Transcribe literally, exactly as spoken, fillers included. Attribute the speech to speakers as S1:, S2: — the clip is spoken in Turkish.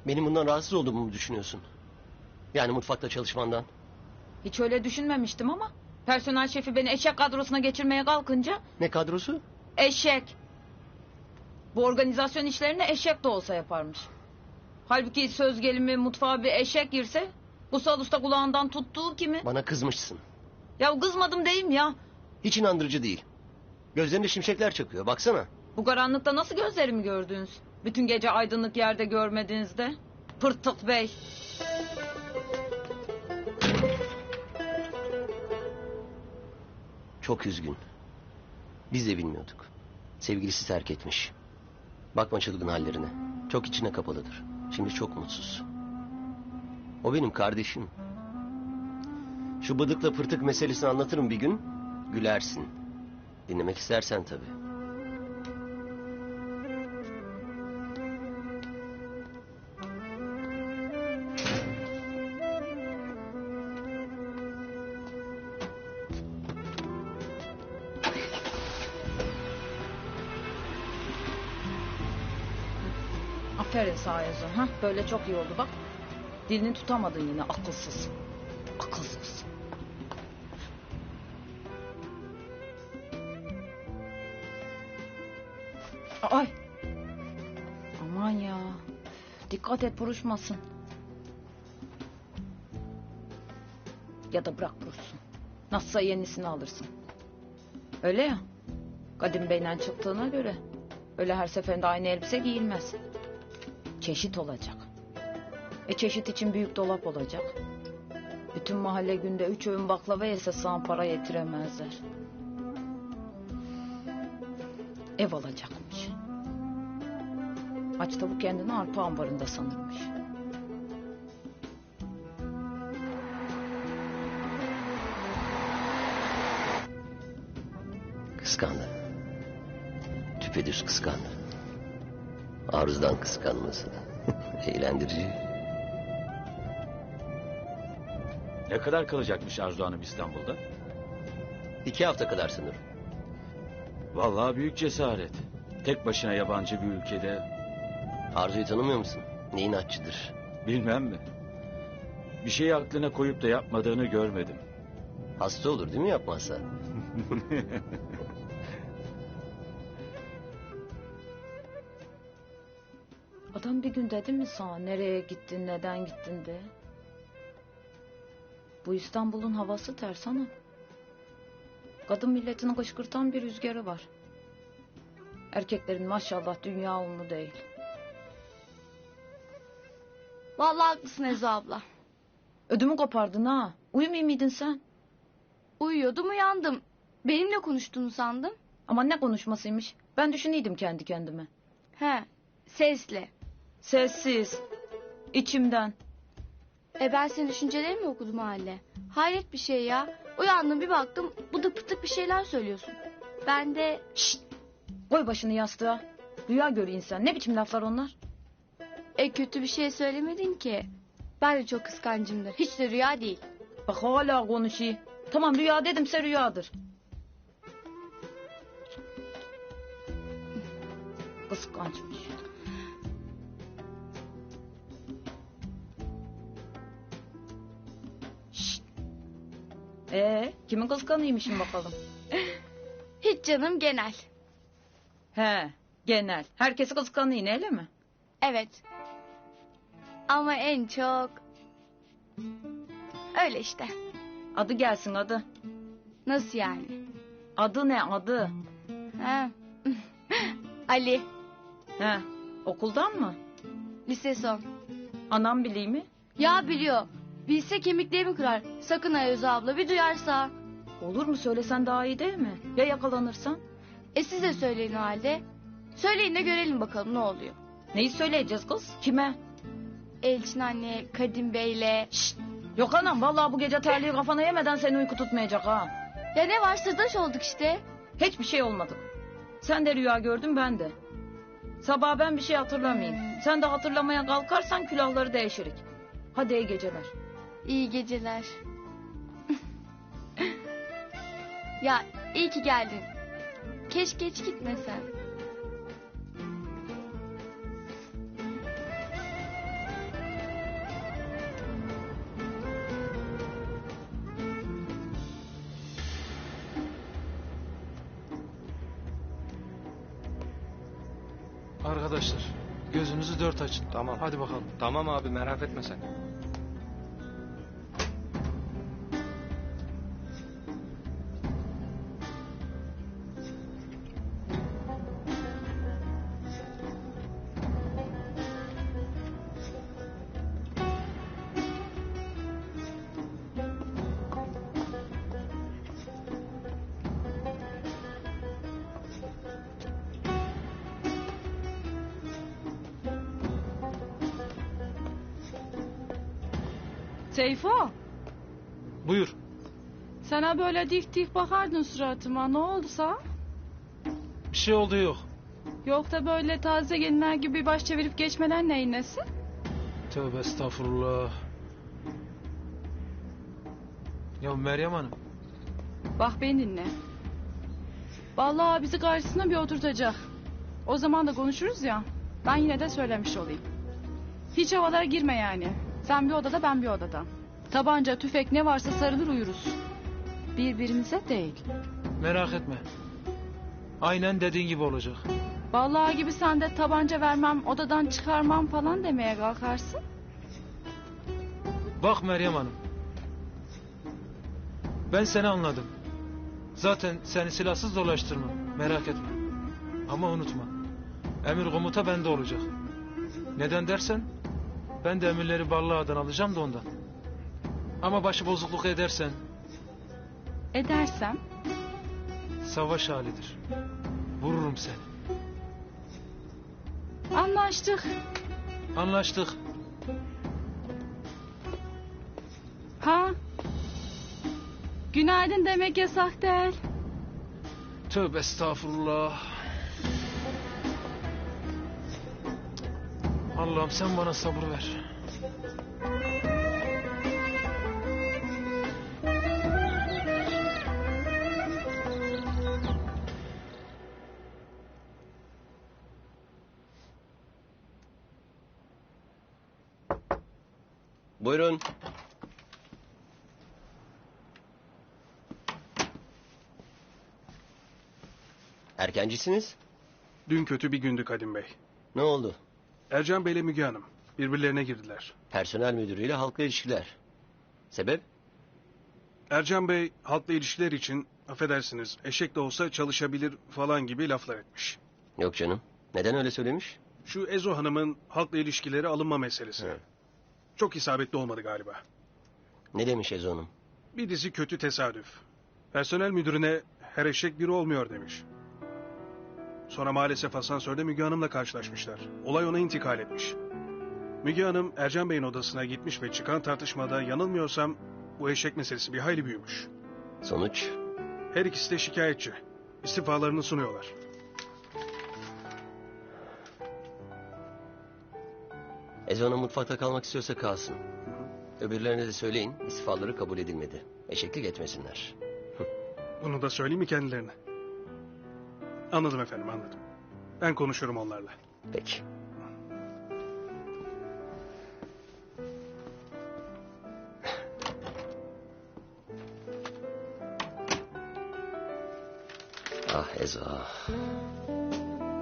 S1: Benim bundan rahatsız olduğumu mu düşünüyorsun? Yani mutfakta çalışmandan.
S2: Hiç öyle düşünmemiştim ama personel şefi beni eşek kadrosuna geçirmeye kalkınca...
S1: Ne kadrosu?
S2: Eşek. Bu organizasyon işlerini eşek de olsa yaparmış. Halbuki söz gelimi mutfağa bir eşek girse... Kutsal Usta kulağından tuttuğu kimi?
S1: Bana kızmışsın.
S2: Ya kızmadım deyim ya.
S1: Hiç inandırıcı değil. Gözlerinde şimşekler çakıyor, baksana.
S2: Bu karanlıkta nasıl gözlerimi gördünüz? Bütün gece aydınlık yerde görmediğinizde. Pırtık bey.
S1: Çok üzgün. Biz de bilmiyorduk. Sevgilisi terk etmiş. Bakma çılgın hallerine. Çok içine kapalıdır. Şimdi çok mutsuz. O benim kardeşim. Şu bıdıkla pırtık meselesini anlatırım bir gün. Gülersin. Dinlemek istersen tabii.
S2: Aferin sağ yazın. Ha? Böyle çok iyi oldu bak. Dilini tutamadın yine akılsız. Akılsız. Ay. Aman ya. Dikkat et buruşmasın. Ya da bırak buruşsun. Nasılsa yenisini alırsın. Öyle ya. Kadim Bey'den çıktığına göre öyle her seferinde aynı elbise giyilmez. Çeşit olacak. E çeşit için büyük dolap olacak. Bütün mahalle günde üç öğün baklava yese sana para yetiremezler. Ev alacakmış. Aç tavuk kendini arpa ambarında sanırmış.
S1: Kıskandı. Düpedüz kıskandı. Arzudan kıskanması. Eğlendirici.
S3: Ne kadar kalacakmış Arzu Hanım İstanbul'da?
S1: İki hafta kadar sanırım.
S3: Vallahi büyük cesaret. Tek başına yabancı bir ülkede.
S1: Arzu'yu tanımıyor musun? Ne inatçıdır.
S3: Bilmem mi? Bir şeyi aklına koyup da yapmadığını görmedim.
S1: Hasta olur değil mi yapmazsa?
S2: Adam bir gün dedi mi sana nereye gittin, neden gittin de? Bu İstanbul'un havası ters ana. Kadın milletini kışkırtan bir rüzgarı var. Erkeklerin maşallah dünya unu değil.
S4: Vallahi haklısın Ezo abla.
S2: Ödümü kopardın ha. Uyumayayım mıydın sen?
S4: Uyuyordum uyandım. Benimle konuştuğunu sandım.
S2: Ama ne konuşmasıymış. Ben düşüneydim kendi kendime.
S4: He, sesle.
S2: Sessiz. İçimden.
S4: E ben senin düşüncelerimi mi okudum hale? Hayret bir şey ya. Uyandım bir baktım bıdık pıtık bir şeyler söylüyorsun. Ben de...
S2: Şşt! Koy başını yastığa. Rüya gör insan. Ne biçim laflar onlar?
S4: E kötü bir şey söylemedin ki. Ben de çok kıskancımdır. Hiç de rüya değil.
S2: Bak hala konuşuyor. Tamam rüya dedimse rüyadır. Kıskançmış. Şşt. Ee, kimin kıskanıymışım bakalım?
S4: Hiç canım genel.
S2: He, genel. Herkesi kıskanıyor öyle mi?
S4: Evet. Ama en çok... Öyle işte.
S2: Adı gelsin adı.
S4: Nasıl yani?
S2: Adı ne adı?
S4: He. Ali.
S2: He, okuldan mı?
S4: Lise son.
S2: Anam bileyim mi?
S4: Ya biliyor. Bilse kemiklerimi kırar. Sakın Ayöz abla bir duyarsa.
S2: Olur mu söylesen daha iyi değil mi? Ya yakalanırsan?
S4: E siz de söyleyin o halde. Söyleyin de görelim bakalım ne oluyor.
S2: Neyi söyleyeceğiz kız? Kime?
S4: Elçin anne, Kadim Bey'le.
S2: Şşt! Yok anam vallahi bu gece terliği kafana yemeden seni uyku tutmayacak ha.
S4: Ya ne var sırdaş olduk işte.
S2: Hiçbir şey olmadı. Sen de rüya gördün ben de. Sabah ben bir şey hatırlamayayım. Sen de hatırlamaya kalkarsan külahları değişirik. Hadi iyi geceler.
S4: İyi geceler. Ya iyi ki geldin. Keşke hiç gitmesen.
S5: Arkadaşlar gözünüzü dört açın.
S6: Tamam.
S5: Hadi bakalım.
S6: Tamam abi merak etme sen.
S2: Seyfo,
S5: Buyur.
S2: sana böyle dik dik bakardın suratıma. Ne oldu sana?
S5: Bir şey oldu yok.
S2: Yok da böyle taze gelinler gibi baş çevirip geçmeden neyin nesi?
S5: Tövbe estağfurullah. Ya Meryem Hanım.
S2: Bak beni dinle. Vallahi bizi karşısına bir oturtacak. O zaman da konuşuruz ya. Ben yine de söylemiş olayım. Hiç havalara girme yani. Sen bir odada, ben bir odada. Tabanca, tüfek ne varsa sarılır uyuruz. Birbirimize değil.
S5: Merak etme. Aynen dediğin gibi olacak.
S2: Vallahi gibi sen de tabanca vermem, odadan çıkarmam falan demeye kalkarsın.
S5: Bak Meryem Hanım. Ben seni anladım. Zaten seni silahsız dolaştırmam. Merak etme. Ama unutma. Emir komuta bende olacak. Neden dersen ben de emirleri Ballağa'dan alacağım da ondan. Ama başı bozukluk edersen
S2: Edersem
S5: savaş halidir. Vururum seni.
S2: anlaştık.
S5: Anlaştık.
S2: Ha? Günaydın demek yasak değil.
S5: Tövbe estağfurullah. Allah'ım sen bana sabır ver.
S1: Buyurun. Erkencisiniz.
S7: Dün kötü bir gündü Kadim Bey.
S1: Ne oldu?
S7: Ercan Bey ile Müge Hanım birbirlerine girdiler.
S1: Personel müdürüyle halkla ilişkiler. Sebep?
S7: Ercan Bey halkla ilişkiler için affedersiniz eşek de olsa çalışabilir falan gibi laflar etmiş.
S1: Yok canım. Neden öyle söylemiş?
S7: Şu Ezo Hanım'ın halkla ilişkileri alınma meselesi.
S1: Evet.
S7: Çok isabetli olmadı galiba.
S1: Ne demiş Ezo Hanım?
S7: Bir dizi kötü tesadüf. Personel müdürüne her eşek biri olmuyor demiş. Sonra maalesef asansörde Müge Hanım'la karşılaşmışlar. Olay ona intikal etmiş. Müge Hanım Ercan Bey'in odasına gitmiş ve çıkan tartışmada yanılmıyorsam bu eşek meselesi bir hayli büyümüş.
S1: Sonuç?
S7: Her ikisi de şikayetçi. İstifalarını sunuyorlar.
S1: Ezo Hanım mutfakta kalmak istiyorsa kalsın. Öbürlerine de söyleyin istifaları kabul edilmedi. Eşeklik etmesinler.
S7: Bunu da söyleyeyim mi kendilerine? Anladım efendim, anladım. Ben konuşurum onlarla.
S1: Peki. Ah Ezo.